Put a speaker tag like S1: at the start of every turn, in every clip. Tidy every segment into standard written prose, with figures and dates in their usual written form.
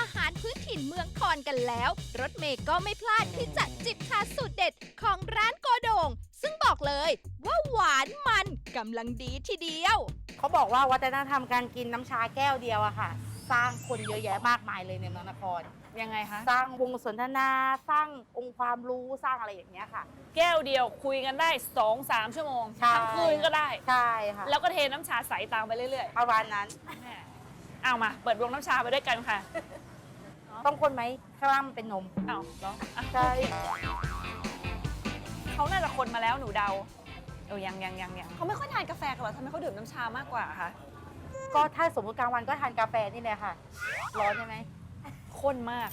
S1: หารพื้นถิ่นเมืองคอนกันแล้วรถเมย์ก็ไม่พลาดที่จะจิบชาสูตรเด็ดของร้านโกโด่งซึ่งบอกเลยว่าหวานมันกำลังดีทีเดียว
S2: เขาบอกว่าวัฒนธรรมการกินน้ำชาแก้วเดียวอะค่ะ สร้างคนเยอะแยะมากมายเลยในเมืองนคร
S3: ยังไงคะ
S2: สร้างวงสนทนาสร้างองค์ความรู้สร้างอะไรอย่างเงี้ยค่ะ
S3: แก้วเดียวคุยกันได้ 2-3 ชั่วโมง
S2: ใช่
S3: ทั้งคืนก็ได้
S2: ใช่ค่ะ
S3: แล้วก็เทน้ำชาใสตามไปเรื่อย
S2: ประมาณนั้น
S3: ๆแม่เอามาเปิดวงน้ำชาไปด้วยกันค่ะ
S2: ต้องคนไหมข้างล่างมันเป็นนม
S3: เอาเหรออ่ะ
S2: ใช่
S3: เขาน่าจะคนมาแล้วหนูเดายังเขาไม่ค่อยทานกาแฟกันหรอทำไมเขาดื่มน้ำชามากกว่าคะ
S2: ก็ถ้าสมมติกลางวันก็ทานกาแฟนี่แหละค่ะ ร้อนใช่ไหม
S3: ข้นมาก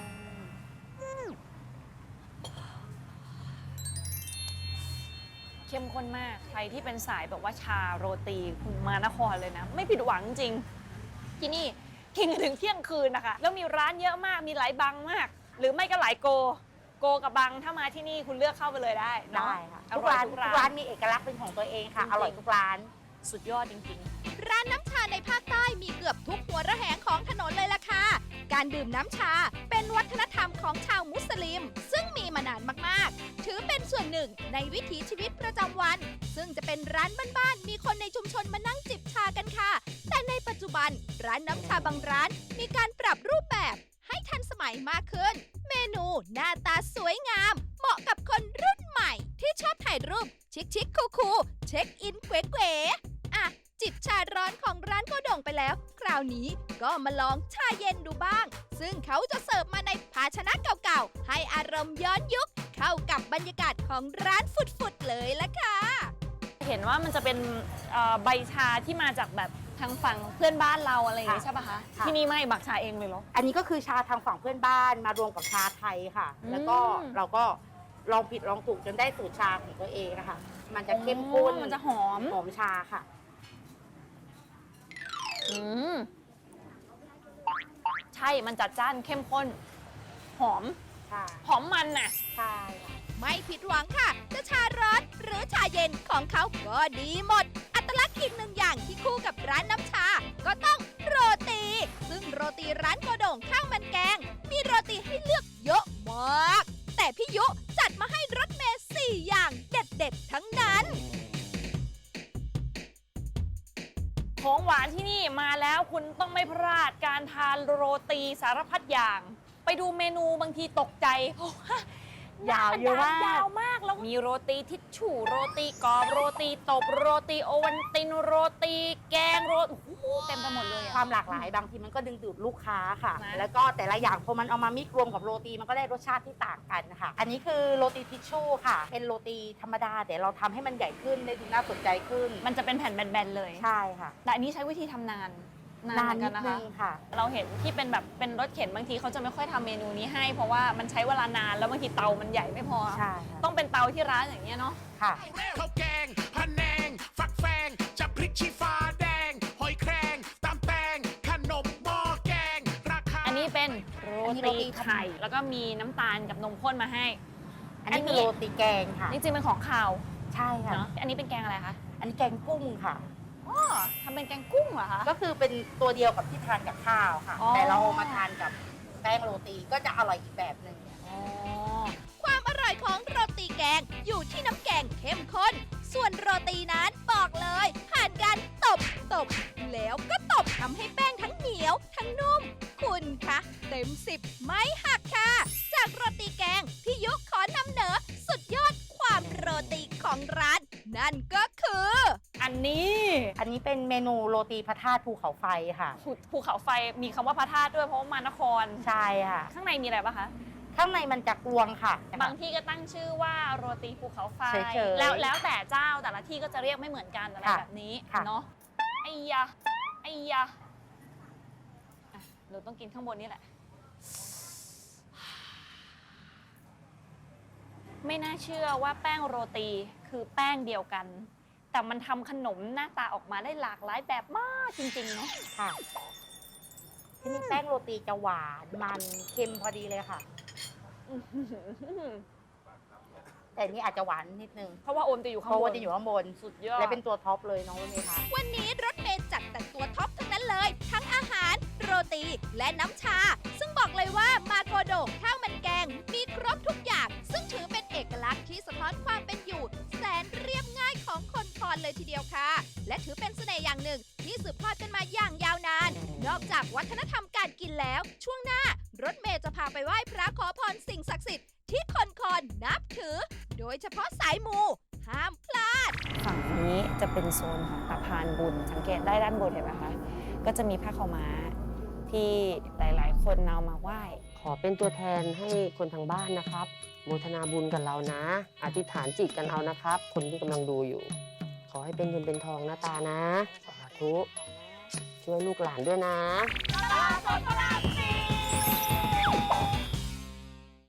S3: เข้มข้นมากใครที่เป็นสายแบบว่าชาโรตีคุณมานครเลยนะ ไม่ผิดหวังจริงที่นี่กินกันถึงเที่ยงคืนนะคะแล้วมีร้านเยอะมากมีหลายบังมาก หรือไม่ก็หลายโกกับบังถ้ามาที่นี่คุณเลือกเข้าไปเลยได้เนาะ
S2: ได้ค่ะ
S3: อ
S2: ทุก
S3: ร่อย
S2: ร้าน
S3: ทุ
S2: ทุ
S3: ก
S2: ก
S3: ร้า
S2: ร้าน นมีเอกลักษณ์เป็นของตัวเองค่ะ
S3: จริงๆ
S2: อร่อยทุกร้าน
S3: สุดยอดจริงๆ
S1: ร้านน้ำชาในภาคใต้มีเกือบทุกหัวระแหงของถนนเลยล่ะค่ะ การดื่มน้ำชาเป็นวัฒนธรรมของชาวมุสลิม ซึ่งมีมานานมากๆ ถือเป็นส่วนหนึ่งในวิถีชีวิตประจำวัน ซึ่งจะเป็นร้านบ้านๆ มีคนในชุมชนมานั่งจิบชากันค่ะ แต่ในปัจจุบันร้านน้ำชาบางร้านมีการปรับรูปแบบให้ทันสมัยมากขึ้น เมนูหน้าตาสวยงาม เหมาะกับคนรุ่นใหม่ ที่ชอบถ่ายรูปชิคๆคูลๆเช็คอินเก๋ๆอ่ะ จิบชาร้อนของร้านโกโด่งไปแล้ว คราวนี้ก็มาลองชาเย็นดูบ้าง ซึ่งเขาจะเสิร์ฟมาในภาชนะเก่าๆ ให้อารมณ์ย้อนยุค เข้ากับบรรยากาศของร้านฟุดๆเลยละค่ะ
S3: เห็นว่ามันจะเป็นใบชาที่มาจากแบบทางฝั่งเพื่อนบ้านเราอะไรอย่างงี้
S2: ค่ะ
S3: ใช่ปะคะ
S2: ค่ะ
S3: ที่นี่ไม่หมักชาเองเลยเหรอ
S2: อันนี้ก็คือชาทางฝั่งเพื่อนบ้านมารวมกับชาไทยค่ะ แล้วก็
S3: อืม
S2: เราก็ลองผิดลองถูกจนได้สูตรชาของตัวเองนะคะ มันจะเข้มข้น
S3: มันจะหอม
S2: หอมชาค่ะ
S3: อืมใช่มันจัดจ้านเข้มข้น หอม
S2: ใช่
S3: หอมมันน่ะ
S2: ใช่ค่ะ
S1: ไม่ผิดหวังค่ะ จะชาร้อนหรือชาเย็นของเขาก็ดีหมด อัตลักษณ์อีกหนึ่งอย่างที่คู่กับร้านน้ำชา ก็ต้องโรตี ซึ่งโรตีร้านโกโด่งข้าวมันแกง มีโรตีให้เลือกเยอะมาก แต่พี่ยุจัดมาให้รถเมล์4 อย่างเด็ดๆ ทั้งนั้น
S3: ของหวานที่นี่มาแล้วคุณต้องไม่พลาดการทานโรตีสารพัดอย่าง ไปดูเมนูบางทีตกใจเพราะว่าย
S2: าวเยอะมาก
S3: ยาวมากแล้วมีโรตีทิชชู่โรตีกรอบโรตีตบโรตีโอวัลตินโรตีแกงโรตีโอ้โหเต็มไปหมดเลยอะ
S2: ความหลากหลายบางทีมันก็ดึงดูดลูกค้าค่ะ
S3: นะ
S2: แล้วก็แต่ละอย่างพอมันเอามามิกรวมกับโรตีมันก็ได้รสชาติที่ต่างกันค่ะ อันนี้คือโรตีทิชชู่ค่ะ เป็นโรตีธรรมดาแต่เราทำให้มันใหญ่ขึ้นได้ดูน่าสนใจขึ้น
S3: มันจะเป็นแผ่นแบนๆเลย
S2: ใช่ค่ะ
S3: แต่อันนี้ใช้วิธีทำนานเหมื
S2: นาน
S3: อ
S2: นิด
S3: นะ
S2: นึ
S3: คะ
S2: งค่ะ
S3: เราเห็นที่เป็นแบบเป็นรถเข็นบางทีเขาจะไม่ค่อยทำเมนูนี้ให้ เพราะว่ามันใช้เวลานานแล้วบางทีเตามันใหญ่ไม่พอ
S2: ใช่ค่ะ
S3: ต้องเป็นเตาที่ร้านอย่างเงี้ยเนาะ
S2: ค่ะ
S4: ข้าวแกงพะแนง ฟักแฟงจะพริกชี้ฟ้าแดง หอยแครงตำแตงขนมหม้อแกง ราคา
S3: อันนี้เป็นโร
S2: อันนี้โร
S3: ตี
S2: ตี
S3: ไข่แล้วก็มีน้ำตาลกับนมข้นมาให้
S2: อันนี้คือโรตีแกงค่ะ
S3: จริงๆเป็นของข่าว
S2: ใช่ค่ะ
S3: เนาะอันนี้เป็นแกงอะไรคะ
S2: อันนี้แกงกุ้งค่ะ
S3: อ๋อทำเป็นแกงกุ้งเหรอคะ
S2: ก็คือเป็นตัวเดียวกับที่ทานกับข้าวค่ะ
S3: อ๋อ
S2: แต่เราเอามาทานกับแป้งโรตีก็จะอร่อยอีกแบบหนึ่ง
S3: อ๋อ
S1: ความอร่อยของโรตีแกงอยู่ที่น้ำแกงเข้มข้น ส่วนโรตีนั้นบอกเลยผ่านการตบ แล้วก็ตบทำให้แป้งทั้งเหนียว ทั้งนุ่ม คุณคะเต็ม 10 ไม่หักค่ะ จากโรตีแกงพี่ยุขอนำเหนอสุดยอดความโรตีของร้าน นั่นก็คือ
S3: อันนี้
S2: อันนี้เป็นเมนูโรตีพระธาตุภูเขาไฟค่ะ
S3: ภูเขาไฟมีคำว่าพระธาตุด้วยเพราะว่ามานคร
S2: ใช่ค่ะ
S3: ข้างในมีอะไรปะคะ
S2: ข้างในมันจะกลวงค่ะ
S3: บางที่ก็ตั้งชื่อว่าโรตีภูเขาไฟ
S2: เฉยๆ
S3: แล้วแต่เจ้าแต่ละที่ก็จะเรียกไม่เหมือนกันอะไร
S2: ค่ะ
S3: แบบนี้
S2: ค่ะ
S3: เนาะไอ้ยะอ่ะเราต้องกินข้างบนนี่แหละ ไม่น่าเชื่อว่าแป้งโรตีคือแป้งเดียวกัน แต่มันทำขนมหน้าตาออกมาได้หลากหลายแบบมากจริงๆเนาะ
S2: ค่ะ ที่นี่แป้งโรตีจะหวานมันเค็มพอดีเลยค่ะ แต่อันนี้อาจจะหวานนิดนึง
S3: เพราะว่าโอมจะอยู่ข้าง
S2: เพราะ
S3: บ
S2: ว่าน จะอยู่ข้างบน
S3: สุดยอด
S2: และเป็นตัวท็อปเลยน้องรถเมย์คะ
S1: วันนี้รถเมย์จัดแต่ตัวท็อปทั้งนั้นเลย ทั้งอาหาร โรตี และน้ำชา ซึ่งยวค่ะ และถือเป็นเสน่ห์อย่างหนึ่งที่สืบทอดกันมาอย่างยาวนาน นอกจากวัฒนธรรมการกินแล้ว ช่วงหน้ารถเมย์จะพาไปไหว้พระขอพรสิ่งศักดิ์สิทธิ์ที่คนนับถือ โดยเฉพาะสายมูห้ามพลาด
S3: ฝั่งนี้จะเป็นโซนของตะพานบุญ สังเกตได้ด้านบนเห็นไหมคะ ก็จะมีผ้าขาวม้าที่หลายๆ คนเอามาไหว้
S5: ขอเป็นตัวแทนให้คนทางบ้านนะครับ โมทนาบุญกับเรานะ อธิษฐานจิตกันเอานะครับ คนที่กำลังดูอยู่ ขอให้เป็นเงินเป็นทองนะตานะ สาธุ ช่วยลูกหลานด้วยนะ
S1: ตลาดสดพระราม